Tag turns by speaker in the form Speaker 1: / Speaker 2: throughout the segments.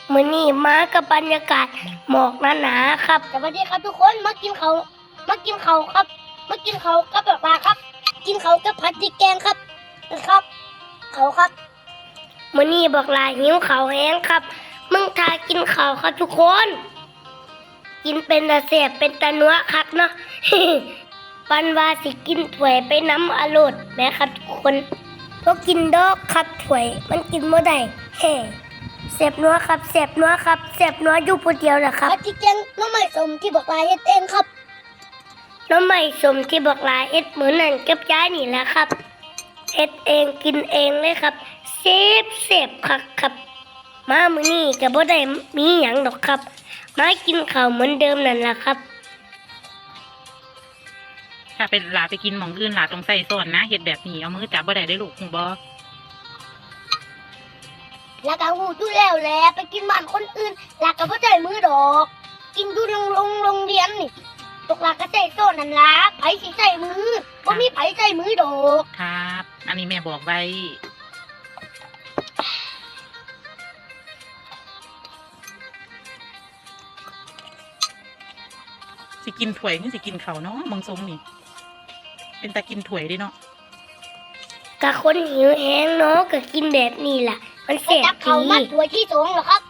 Speaker 1: มื้อนี้มากับบรรยากาศหมอกหนาๆครับสวัสดีครับทุกคนมากินเขาครับมากินเขากับปลาครับ กินเขากับผัดพริกแกงครับนะครับเขาครับมื้อนี้บอกลาหิวเขาแห้งครับมึงทากินเขาครับทุกคนกินเป็นตาแสบเป็นตานัวคักเนาะ ปันว่าสิกินถ้วยไปน้ำอร่อยนะครับทุกคนพวกกินดอกครับถ้วยมันกินบ่ได้เฮ้เสพนัวครับเสพนัวครับเสพนัวอยู่ผู้เดียวนะครับที่แกงน้ำใหม่สมที่บอกลาเฮ็ดเองครับน้ำใหม่สมที่บอกลาเฮ็ดเหมือนนั่นกับย้ายนี่แหละครับเฮ็ดเองกินเองเลยครับเสพคักครับมามื้อนี้ก็บ่ได้มีหยังดอกครับมากินข้าวเหมือนเดิมนั่นล่ะครับ
Speaker 2: ถ้าเป็นหลาไปกินหม่องอื่นหลาต้องใส่ซ้อนนะเฮ็ดแบบนี้เอามือจับบ่ได้ได้ลูกหูบ่
Speaker 1: แล้วก็หูดูแล้วแหละไปกินบ้านคนอื่นแล้วก็บ่ใช้มือดอก กินดูโรงเรียนนี่ตกลาก็ใช้โซ่นั่นล่ะไผสิใช้มือบ่มีไผใช้มือดอก
Speaker 2: ครับอันนี้แม่บอกไว้สิกินถ้วยนี่สิกินข้าวเนาะเมืองทรงนี่เป็นตากินถ้วยเด้เนาะ
Speaker 1: กะคนหิวแห้งเนาะก็กินแบบนี้ล่ะมันแซ่บดีมาถ้วยที่2แล้วครับ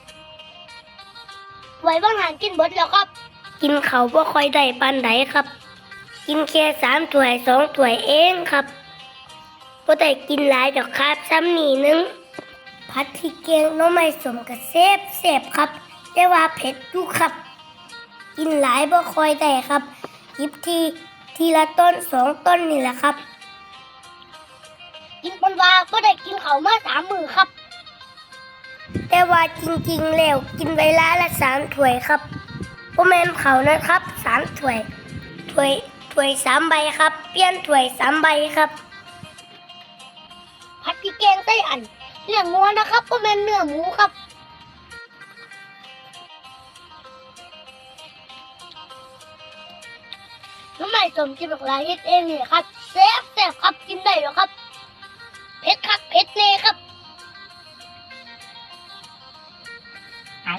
Speaker 1: ถ้วยบางหารกินเบิดแล้วครับกินข้าวบ่ค่อยได้ปานใดครับกินแค่3ถ้วย2ถ้วยเองครับบ่ได้กินหลายดอกครับซ้ำนี่นึงผัดพริกแกงหน่อไม้สมก็แซ่บครับแต่ว่าเผ็ดอยู่ครับกินหลายบ่ค่อยได้ครับหยิบทีละต้น2ต้นนี่แหละครับกินปนว่าก็ได้กินเขามา3 มื้อครับแต่ว่าจริงๆแล้วกินเวลาละ3ถ้วยครับบ่แม่นเขานะครับ3ถ้วย3ใบครับเปลี่ยนถ้วย3ใบครับผัดพริกแกงไส้อั่นเนื้องัวนะครับบ่แม่นเนื้อหมูครับน้ำใหม่สมที่บอกลาเฮ็ดเองนี่ครับแซ่บครับกินได้แล้วครับเผ็ดคักเผ็ดแน่ครับ
Speaker 2: เอา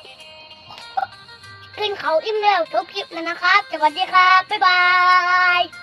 Speaker 1: กินเขาอิ่มแล้วจบคลิปแล้วนะครับสวัสดีครับบ๊ายบาย